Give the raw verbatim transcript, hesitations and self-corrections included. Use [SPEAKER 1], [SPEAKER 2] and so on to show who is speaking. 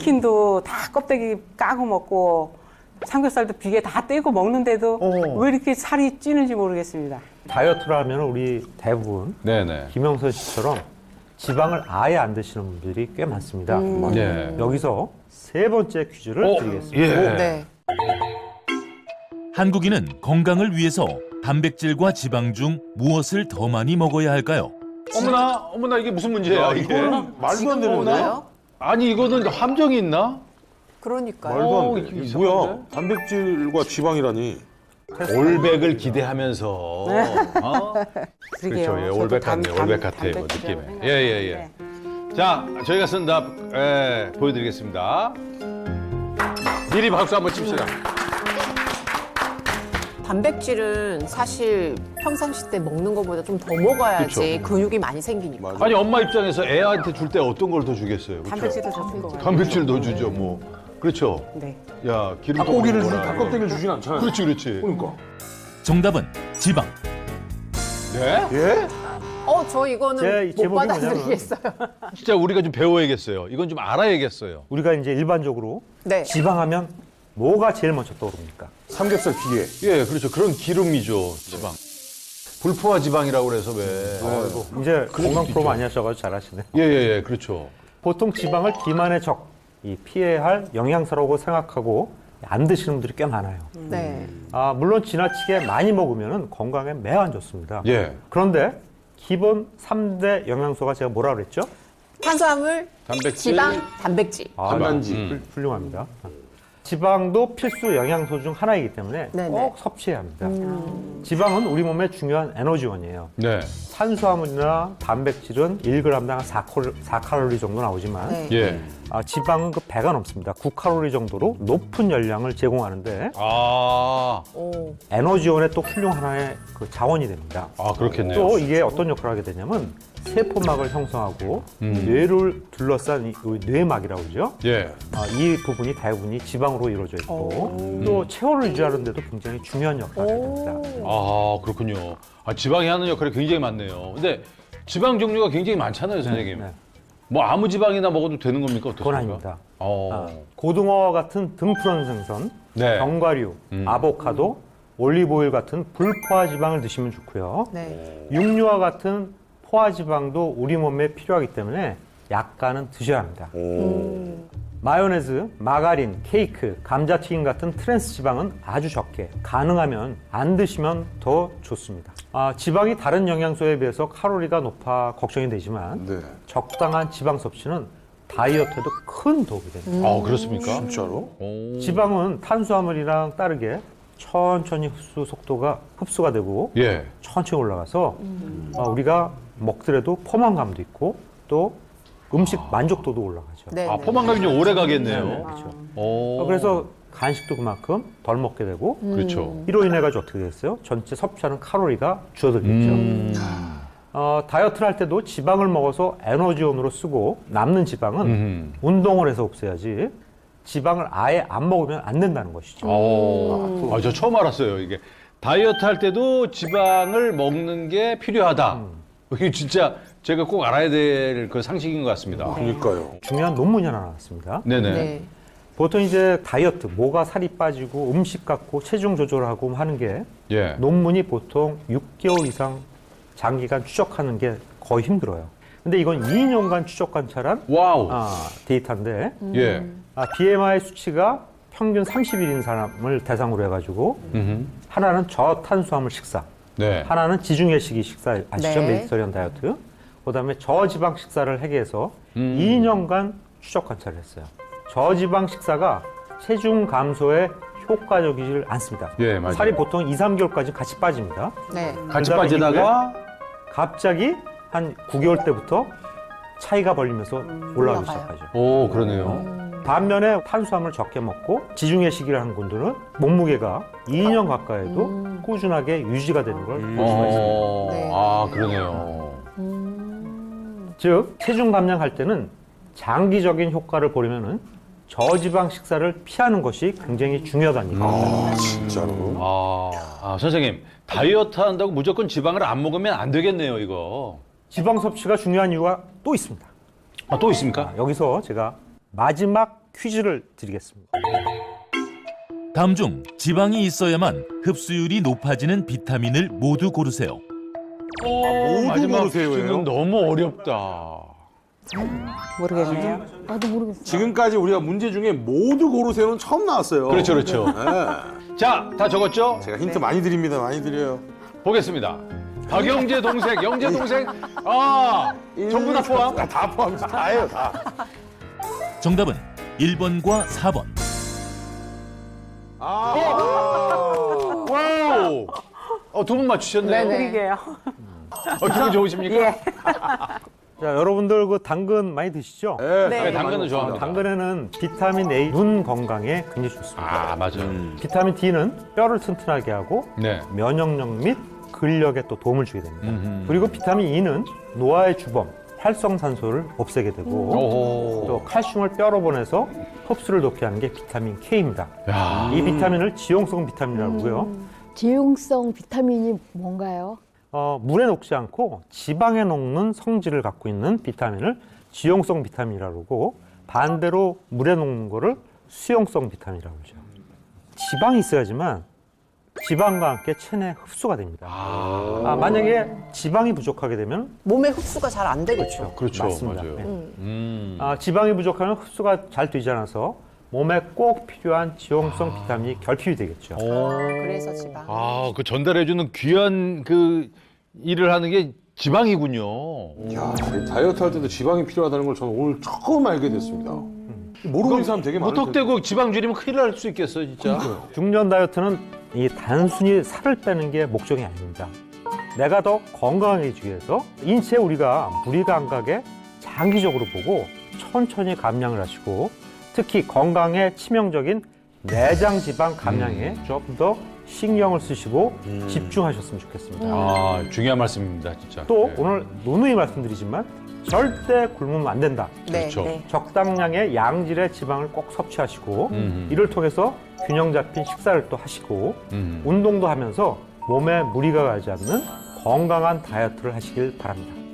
[SPEAKER 1] 치킨도 다 껍데기 까고 먹고 삼겹살도 비계 다 떼고 먹는데도
[SPEAKER 2] 어.
[SPEAKER 1] 왜 이렇게 살이 찌는지 모르겠습니다.
[SPEAKER 3] 다이어트를 하면 우리 대부분
[SPEAKER 2] 네네.
[SPEAKER 3] 김영선 씨처럼 지방을 아예 안 드시는 분들이 꽤 많습니다.
[SPEAKER 2] 예.
[SPEAKER 3] 여기서 세 번째 퀴즈를
[SPEAKER 2] 어,
[SPEAKER 3] 드리겠습니다.
[SPEAKER 2] 예.
[SPEAKER 4] 네.
[SPEAKER 5] 한국인은 건강을 위해서 단백질과 지방 중 무엇을 더 많이 먹어야 할까요?
[SPEAKER 2] 어머나, 어머나 이게 무슨 문제야 이게?
[SPEAKER 6] 말도 안 되는데?
[SPEAKER 4] 먹나요?
[SPEAKER 2] 아니 이거는 함정이 있나?
[SPEAKER 4] 그러니까요.
[SPEAKER 6] 말도
[SPEAKER 2] 어,
[SPEAKER 6] 안 돼.
[SPEAKER 2] 이게
[SPEAKER 6] 이게
[SPEAKER 2] 이상한데?
[SPEAKER 6] 뭐야? 단백질과 지방이라니.
[SPEAKER 2] 올백을 기대하면서. 어?
[SPEAKER 1] 그러게요.
[SPEAKER 2] 그렇죠. 예,
[SPEAKER 1] 저도
[SPEAKER 2] 올백
[SPEAKER 1] 단-
[SPEAKER 2] 같네.
[SPEAKER 1] 단-
[SPEAKER 2] 올백 같아 이거
[SPEAKER 1] 단백질이라고
[SPEAKER 2] 느낌에.
[SPEAKER 1] 생각해요.
[SPEAKER 2] 예예 예.
[SPEAKER 1] 네.
[SPEAKER 2] 자, 저희가 쓴 답 예, 보여드리겠습니다. 미리 박수 한번 칩시다.
[SPEAKER 4] 단백질은 사실 평상시 때 먹는 것보다 좀 더 먹어야지 근육이 많이 생기니까.
[SPEAKER 6] 맞아.
[SPEAKER 2] 아니 엄마 입장에서 애한테 줄 때 어떤 걸 더 주겠어요? 그렇죠?
[SPEAKER 1] 단백질도 더 준 거 같아요.
[SPEAKER 2] 단백질 더 주죠 뭐. 그렇죠.
[SPEAKER 1] 네.
[SPEAKER 2] 야 기름
[SPEAKER 6] 닭고기를 주,
[SPEAKER 2] 먹어라.
[SPEAKER 6] 닭껍데기를 주진 않잖아요.
[SPEAKER 2] 그렇지 그렇지.
[SPEAKER 6] 그러니까.
[SPEAKER 5] 정답은 지방.
[SPEAKER 2] 네?
[SPEAKER 6] 예?
[SPEAKER 4] 어, 저 이거는
[SPEAKER 3] 제
[SPEAKER 4] 못
[SPEAKER 3] 제목이
[SPEAKER 4] 받아들이겠어요.
[SPEAKER 2] 진짜 우리가 좀 배워야겠어요. 이건 좀 알아야겠어요.
[SPEAKER 3] 우리가 이제 일반적으로
[SPEAKER 4] 네.
[SPEAKER 3] 지방하면 뭐가 제일 먼저 떠오릅니까?
[SPEAKER 6] 삼겹살 비계.
[SPEAKER 2] 예, 그렇죠. 그런 기름이죠, 지방. 불포화 지방이라고 그래서 왜.
[SPEAKER 6] 아이고.
[SPEAKER 3] 이제 건강 프로 많이 하셔가지고 잘하시네.
[SPEAKER 2] 예, 예, 예, 그렇죠.
[SPEAKER 3] 보통 지방을 비만의 적, 이 피해야 할 영양소라고 생각하고 안 드시는 분들이 꽤 많아요.
[SPEAKER 4] 네.
[SPEAKER 3] 아, 물론 지나치게 많이 먹으면 건강에 매우 안 좋습니다.
[SPEAKER 2] 예.
[SPEAKER 3] 그런데 기본 삼 대 영양소가 제가 뭐라 그랬죠?
[SPEAKER 4] 탄수화물,
[SPEAKER 2] 단백질.
[SPEAKER 4] 지방, 단백질.
[SPEAKER 3] 아,
[SPEAKER 6] 단단지.
[SPEAKER 2] 음.
[SPEAKER 3] 훌- 훌륭합니다. 지방도 필수 영양소 중 하나이기 때문에
[SPEAKER 4] 네네.
[SPEAKER 3] 꼭 섭취해야 합니다. 지방은 우리 몸의 중요한 에너지원이에요.
[SPEAKER 2] 네.
[SPEAKER 3] 탄수화물이나 단백질은 일 그램당 사 칼로리 정도 나오지만
[SPEAKER 4] 네.
[SPEAKER 2] 예.
[SPEAKER 3] 아, 지방은 그 배가 넘습니다. 구 칼로리 정도로 높은 열량을 제공하는데
[SPEAKER 2] 아,
[SPEAKER 4] 오.
[SPEAKER 3] 에너지원의 또 훌륭한 하나의 그 자원이 됩니다.
[SPEAKER 2] 아, 그렇겠네요.
[SPEAKER 3] 또 이게 어떤 역할을 하게 되냐면 세포막을 형성하고
[SPEAKER 2] 음.
[SPEAKER 3] 뇌를 둘러싼 이 뇌막이라고 그러죠.
[SPEAKER 2] 예.
[SPEAKER 3] 아, 이 부분이 대부분이 지방으로 이루어져 있고 또 체온을 유지하는 데도 굉장히 중요한 역할을 하게 됩니다.
[SPEAKER 2] 아, 그렇군요. 아, 지방이 하는 역할이 굉장히 많네요. 근데 지방 종류가 굉장히 많잖아요, 선생님.
[SPEAKER 3] 네.
[SPEAKER 2] 뭐 아무 지방이나 먹어도 되는 겁니까? 어떻습니까?
[SPEAKER 3] 그건 아닙니다.
[SPEAKER 2] 어.
[SPEAKER 3] 아, 고등어 같은 등푸른 생선,
[SPEAKER 2] 네.
[SPEAKER 3] 견과류,
[SPEAKER 2] 음.
[SPEAKER 3] 아보카도, 올리브오일 같은 불포화 지방을 드시면 좋고요.
[SPEAKER 4] 네.
[SPEAKER 3] 육류와 같은 포화 지방도 우리 몸에 필요하기 때문에 약간은 드셔야 합니다. 마요네즈, 마가린, 케이크, 감자튀김 같은 트랜스 지방은 아주 적게, 가능하면 안 드시면 더 좋습니다. 아, 지방이 다른 영양소에 비해서 칼로리가 높아 걱정이 되지만
[SPEAKER 6] 네.
[SPEAKER 3] 적당한 지방 섭취는 다이어트에도 큰 도움이 됩니다.
[SPEAKER 2] 아, 그렇습니까?
[SPEAKER 6] 진짜로?
[SPEAKER 2] 오.
[SPEAKER 3] 지방은 탄수화물이랑 다르게 천천히 흡수 속도가 흡수가 되고
[SPEAKER 2] 예.
[SPEAKER 3] 천천히 올라가서 아, 우리가 먹더라도 포만감도 있고 또 음식 만족도도 올라가죠.
[SPEAKER 4] 네.
[SPEAKER 2] 아, 포만감이 좀 오래 가겠네요.
[SPEAKER 3] 네, 그렇죠.
[SPEAKER 2] 오.
[SPEAKER 3] 어, 그래서 간식도 그만큼 덜 먹게 되고
[SPEAKER 2] 그렇죠.
[SPEAKER 3] 이로 인해 가지고 어떻게 됐어요? 전체 섭취하는 칼로리가 줄어들겠죠.
[SPEAKER 2] 음.
[SPEAKER 3] 어, 다이어트를 할 때도 지방을 먹어서 에너지원으로 쓰고 남는 지방은
[SPEAKER 2] 음.
[SPEAKER 3] 운동을 해서 없애야지 지방을 아예 안 먹으면 안 된다는 것이죠.
[SPEAKER 2] 오. 아, 저 처음 알았어요. 이게 다이어트 할 때도 지방을 먹는 게 필요하다. 이게 진짜 제가 꼭 알아야 될 그 상식인 것 같습니다.
[SPEAKER 6] 그러니까요.
[SPEAKER 3] 중요한 논문이 하나 나왔습니다.
[SPEAKER 2] 네네.
[SPEAKER 4] 네.
[SPEAKER 3] 보통 이제 다이어트, 뭐가 살이 빠지고 음식 갖고 체중 조절하고 하는 게
[SPEAKER 2] 예.
[SPEAKER 3] 논문이 보통 육 개월 이상 장기간 추적하는 게 거의 힘들어요. 근데 이건 이 년간 추적 관찰한
[SPEAKER 2] 와우.
[SPEAKER 3] 아, 데이터인데
[SPEAKER 2] 예.
[SPEAKER 3] 아, 비엠아이 수치가 평균 삼십 일인 사람을 대상으로 해가지고
[SPEAKER 2] 음흠.
[SPEAKER 3] 하나는 저탄수화물 식사,
[SPEAKER 2] 네.
[SPEAKER 3] 하나는 지중해식이 식사 아시죠?
[SPEAKER 4] 네.
[SPEAKER 3] 메디터리언 다이어트. 그다음에 저지방 식사를 하게 해서
[SPEAKER 2] 음.
[SPEAKER 3] 이 년간 추적 관찰을 했어요. 저지방 식사가 체중 감소에 효과적이질 않습니다.
[SPEAKER 2] 예, 맞아요.
[SPEAKER 3] 살이 보통 이, 삼 개월까지 같이 빠집니다.
[SPEAKER 4] 네.
[SPEAKER 2] 같이
[SPEAKER 3] 그다음에
[SPEAKER 2] 빠지다가
[SPEAKER 3] 갑자기 한 구 개월 때부터 차이가 벌리면서 올라가기
[SPEAKER 4] 올라가요.
[SPEAKER 3] 시작하죠.
[SPEAKER 2] 오, 그러네요.
[SPEAKER 3] 반면에 탄수화물 적게 먹고 지중해식이를 하는 분들은 몸무게가 이 년 가까이도 꾸준하게 유지가 되는 걸 볼 수가 있습니다.
[SPEAKER 2] 어,
[SPEAKER 4] 네.
[SPEAKER 2] 아, 그러네요.
[SPEAKER 3] 즉 체중 감량할 때는 장기적인 효과를 보려면은 저지방 식사를 피하는 것이 굉장히 중요하다는 얘기입니다.
[SPEAKER 6] 아, 진짜로?
[SPEAKER 2] 아, 아, 선생님, 다이어트 한다고 무조건 지방을 안 먹으면 안 되겠네요, 이거.
[SPEAKER 3] 지방 섭취가 중요한 이유가 또 있습니다.
[SPEAKER 2] 아, 또 있습니까?
[SPEAKER 3] 아, 여기서 제가 마지막 퀴즈를 드리겠습니다.
[SPEAKER 5] 다음 중 지방이 있어야만 흡수율이 높아지는 비타민을 모두 고르세요.
[SPEAKER 2] 오, 마지막
[SPEAKER 6] 고르세요예요?
[SPEAKER 2] 퀴즈는 너무 어렵다.
[SPEAKER 1] 모르겠네요.
[SPEAKER 7] 나도 모르겠어.
[SPEAKER 6] 지금까지 우리가 문제 중에 모두 고르세요는 처음 나왔어요.
[SPEAKER 2] 그렇죠, 그렇죠.
[SPEAKER 6] 네.
[SPEAKER 2] 자, 다 적었죠?
[SPEAKER 6] 제가 힌트 많이 드립니다. 많이 드려요.
[SPEAKER 2] 보겠습니다. 박영재 동생, 영재 동생, 아, 전부 다 포함?
[SPEAKER 6] 다, 다 포함이죠. 다예요, 다.
[SPEAKER 5] 정답은 일 번과 사 번.
[SPEAKER 6] 아.
[SPEAKER 2] 와우! 어, 두 분 맞추셨네요.
[SPEAKER 4] 네네.
[SPEAKER 1] 그러게요.
[SPEAKER 2] 어, 기분 좋으십니까?
[SPEAKER 1] 예.
[SPEAKER 3] 자, 여러분들 그 당근 많이 드시죠?
[SPEAKER 6] 네,
[SPEAKER 4] 네,
[SPEAKER 6] 많이
[SPEAKER 2] 당근은
[SPEAKER 6] 먹습니다.
[SPEAKER 2] 좋아합니다.
[SPEAKER 3] 당근에는 비타민 A, 눈 건강에 굉장히 좋습니다.
[SPEAKER 2] 아, 맞아요.
[SPEAKER 3] 비타민 D는 뼈를 튼튼하게 하고
[SPEAKER 2] 네.
[SPEAKER 3] 면역력 및 근력에 또 도움을 주게 됩니다.
[SPEAKER 2] 음흠.
[SPEAKER 3] 그리고 비타민 E는 노화의 주범, 활성산소를 없애게 되고
[SPEAKER 2] 오호.
[SPEAKER 3] 또 칼슘을 뼈로 보내서 흡수를 높게 하는 게 비타민 K입니다.
[SPEAKER 2] 야.
[SPEAKER 3] 이 비타민을 지용성 비타민이라고 하고요.
[SPEAKER 7] 지용성 비타민이 뭔가요?
[SPEAKER 3] 어, 물에 녹지 않고 지방에 녹는 성질을 갖고 있는 비타민을 지용성 비타민이라고 하고 반대로 물에 녹는 거를 수용성 비타민이라고 하죠. 지방이 있어야지만 지방과 함께 체내 흡수가 됩니다. 아, 만약에 지방이 부족하게 되면
[SPEAKER 4] 몸에 흡수가 잘 안 되겠죠.
[SPEAKER 2] 그렇죠.
[SPEAKER 3] 맞습니다.
[SPEAKER 2] 맞아요.
[SPEAKER 3] 네.
[SPEAKER 2] 음.
[SPEAKER 3] 아, 지방이 부족하면 흡수가 잘 되지 않아서 몸에 꼭 필요한 지용성 비타민이 결핍이 되겠죠.
[SPEAKER 4] 그래서 지방.
[SPEAKER 2] 아, 그 전달해주는 귀한 그 일을 하는 게 지방이군요.
[SPEAKER 6] 야, 이 다이어트 할 때도 지방이 필요하다는 걸 저는 오늘 처음 알게 됐습니다. 모르는 음. 사람 되게 많을 텐데.
[SPEAKER 2] 무턱대고 지방 줄이면 큰일 날 수 있겠어, 진짜.
[SPEAKER 3] 중년 다이어트는 이 단순히 살을 빼는 게 목적이 아닙니다. 내가 더 건강해지기 위해서 인체 우리가 무리 감각에 장기적으로 보고 천천히 감량을 하시고 특히 건강에 치명적인 내장 지방 감량에 조금 더 신경을 쓰시고 집중하셨으면 좋겠습니다.
[SPEAKER 2] 아, 중요한 말씀입니다, 진짜.
[SPEAKER 3] 또
[SPEAKER 2] 네.
[SPEAKER 3] 오늘 누누이 말씀드리지만 절대 굶으면 안 된다.
[SPEAKER 4] 네,
[SPEAKER 2] 그렇죠.
[SPEAKER 4] 네.
[SPEAKER 3] 적당량의 양질의 지방을 꼭 섭취하시고
[SPEAKER 2] 음.
[SPEAKER 3] 이를 통해서 균형 잡힌 식사를 또 하시고
[SPEAKER 2] 음.
[SPEAKER 3] 운동도 하면서 몸에 무리가 가지 않는 건강한 다이어트를 하시길 바랍니다.